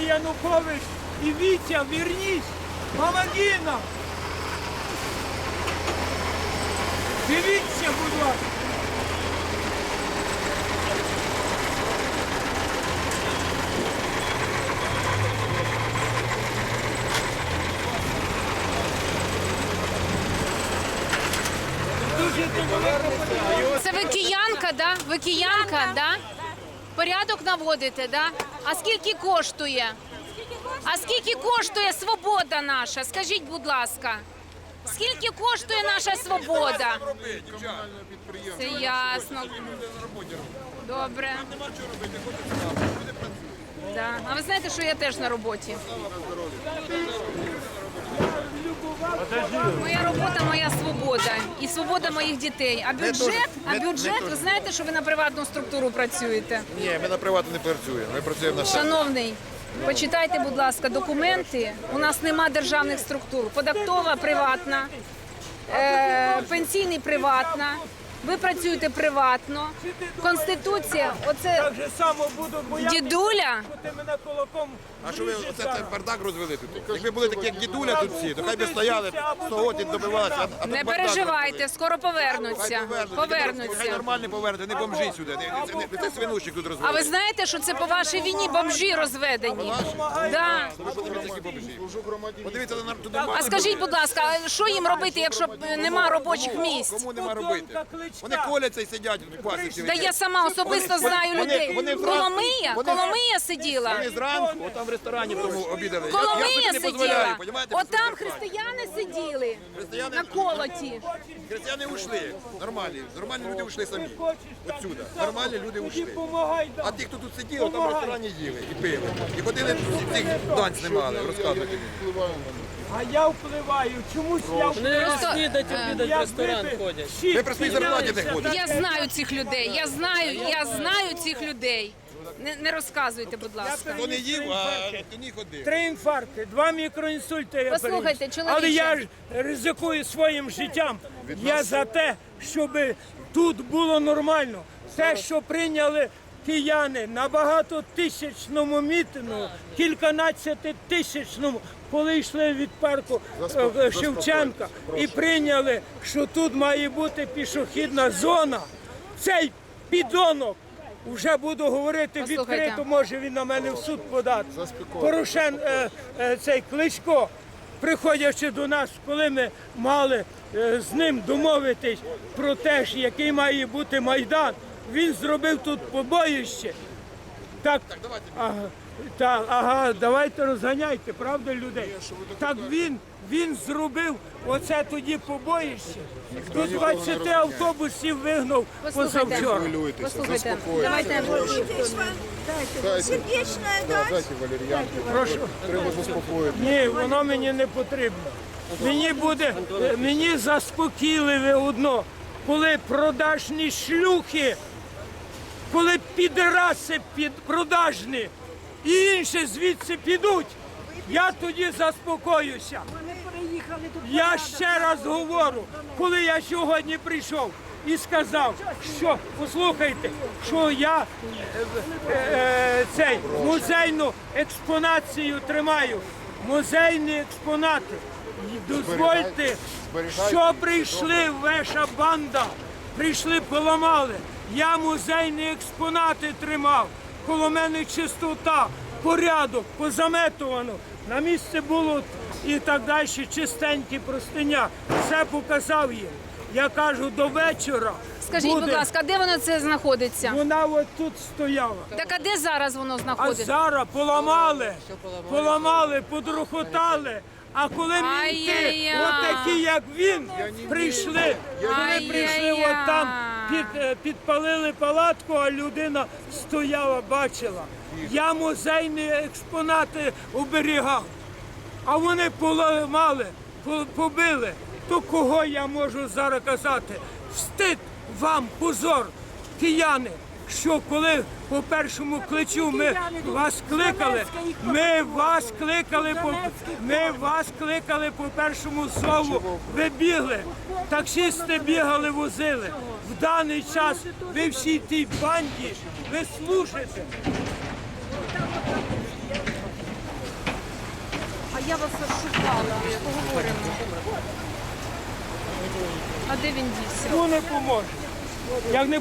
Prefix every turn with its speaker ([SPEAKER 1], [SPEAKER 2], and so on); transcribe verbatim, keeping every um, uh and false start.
[SPEAKER 1] Євгеній Янукович і Вітя, вернись, помоги нам. Дивіться, будь ласка.
[SPEAKER 2] Це ви киянка, да? Ви киянка, да? Порядок наводите, да? А скільки коштує? А скільки коштує свобода наша? Скажіть, будь ласка. Скільки коштує наша свобода? Це ясно. Добре. Да. А ви знаєте, що я теж на роботі? Моя робота, моя свобода і свобода моїх дітей. А бюджет, а бюджет, ви знаєте, що ви на приватну структуру працюєте?
[SPEAKER 3] Ні, ми на приватну не працюємо, ми працюємо на себе.
[SPEAKER 2] Шановний, почитайте, будь ласка, документи. У нас нема державних структур. Податкова приватна, е, пенсійний приватна. Ви працюєте приватно. Конституція, оце
[SPEAKER 1] Так же само буду боятися,
[SPEAKER 2] дідуля.
[SPEAKER 1] що ти мене кулаком
[SPEAKER 3] А що ви
[SPEAKER 1] вріжеш
[SPEAKER 3] оце
[SPEAKER 1] зараз.
[SPEAKER 3] це бардак розвели тут? Якби були такі, як дідуля тут всі, то хай би стояли, сто і добивалися. а- а тут
[SPEAKER 2] Не
[SPEAKER 3] бардак
[SPEAKER 2] переживайте,
[SPEAKER 3] розвели.
[SPEAKER 2] скоро повернуться.
[SPEAKER 3] Хай Хай
[SPEAKER 2] Повернуться.
[SPEAKER 3] нормально повернути, не бомжі сюди, не, не, не, не це свинущик тут
[SPEAKER 2] А
[SPEAKER 3] розвели.
[SPEAKER 2] ви знаєте, що це по вашій війні бомжі розведені? Да.
[SPEAKER 3] Ви подивіться, які бомжі. Подивіться на тут
[SPEAKER 2] А скажіть, будь ласка, а що їм робити, якщо б нема робочих місць?
[SPEAKER 3] Кому нема робити? Вони коляться і сидять в пасіці.
[SPEAKER 2] Та я сама особисто знаю
[SPEAKER 3] вони-
[SPEAKER 2] людей.
[SPEAKER 3] вони зранку-
[SPEAKER 2] Коломия,
[SPEAKER 3] вони-
[SPEAKER 2] Коломия сиділа.
[SPEAKER 3] Вони зранку, отам в ресторані в тому обідали. Я- я
[SPEAKER 2] Коломия
[SPEAKER 3] собі не дозволяю,
[SPEAKER 2] сиділа.
[SPEAKER 3] понімаєте?
[SPEAKER 2] От там християни сиділи
[SPEAKER 3] Християни-
[SPEAKER 2] на колоті.
[SPEAKER 3] Християни ушли, нормальні, нормальні люди ушли самі. Отсюда, нормальні люди ушли.
[SPEAKER 1] Помагай, да.
[SPEAKER 3] А ті, хто тут сиділи, там в ресторані їли і пили. І ходили, цих дань знімали, розказувати мені.
[SPEAKER 1] А я впливаю. Чомусь я впливаю.
[SPEAKER 2] Просто,
[SPEAKER 4] Снідать, обідать в ресторан
[SPEAKER 1] Якби
[SPEAKER 4] ходять.
[SPEAKER 1] всі
[SPEAKER 3] Ви при своїй зарплаті не ходите.
[SPEAKER 2] я знаю цих людей, я знаю, я знаю цих людей. Не, не розказуйте, будь ласка.
[SPEAKER 3] Хто не їв, а хто не ходив.
[SPEAKER 1] Три інфаркти, два мікроінсульти я
[SPEAKER 2] Послухайте,
[SPEAKER 1] переніс.
[SPEAKER 2] чоловіче.
[SPEAKER 1] Але я ж ризикую своїм життям. Я за те, щоб тут було нормально. Те, що прийняли кияни на багатотисячному мітингу, кільканадцятитисячному, коли йшли від парку е, Шевченка і прийняли, що тут має бути пішохідна зона, цей підонок, вже буду говорити
[SPEAKER 2] Послухайте.
[SPEAKER 1] відкрито, може він на мене в суд подати. Порошен, е, е, цей Кличко, приходячи до нас, коли ми мали е, з ним домовитись про те, ж, який має бути Майдан, він зробив тут побоїще. Так, ага, так, ага, давайте розганяйте, правда, людей? Так він, він зробив оце тоді побоїще. До двадцяти автобусів вигнав
[SPEAKER 2] Послухайте,
[SPEAKER 1] позавчора.
[SPEAKER 2] послухайте, давайте.
[SPEAKER 5] Сердечная дать.
[SPEAKER 1] Прошу.
[SPEAKER 3] Треба заспокоїти.
[SPEAKER 1] Ні, воно мені не потрібно. Мені буде, е, мені заспокійливе одно, коли продажні шлюхи, коли підраси під продажні і інші звідси підуть, я тоді заспокоюся. Я ще раз говорю, коли я сьогодні прийшов і сказав, що, послухайте, що я е, е, е, цей музейну експонацію тримаю, музейні експонати. І дозвольте, що прийшли ваша банда, прийшли, поламали. Я музейні експонати тримав, коло мене чистота, порядок, позаметувано. На місце було і так далі, чистенькі простиня. Все показав їм. Я кажу, до вечора.
[SPEAKER 2] Скажіть,
[SPEAKER 1] буде.
[SPEAKER 2] будь ласка, де воно це знаходиться?
[SPEAKER 1] Вона от тут стояла.
[SPEAKER 2] Так а де зараз воно
[SPEAKER 1] А
[SPEAKER 2] знаходиться?
[SPEAKER 1] зараз поламали, поламали, подрухотали. А коли мінти,
[SPEAKER 2] Ай-яй-яй.
[SPEAKER 1] отакі, як він, прийшли, вони прийшли
[SPEAKER 2] Ай-яй-яй.
[SPEAKER 1] от там, під, е, підпалили палатку, а людина стояла, бачила. Я музейні експонати оберігав, а вони поламали, по- побили. То кого я можу зараз казати? Встид вам, позор, кияни, що коли по першому кличу ми вас кликали, ми вас кликали по ми вас кликали по першому зову, ви бігли, таксисти бігали, возили. В даний час ви всій тій банді, ви служите.
[SPEAKER 2] я вас шукала. Поговоримо. А де він дівся?
[SPEAKER 1] Ну не поможе. Як не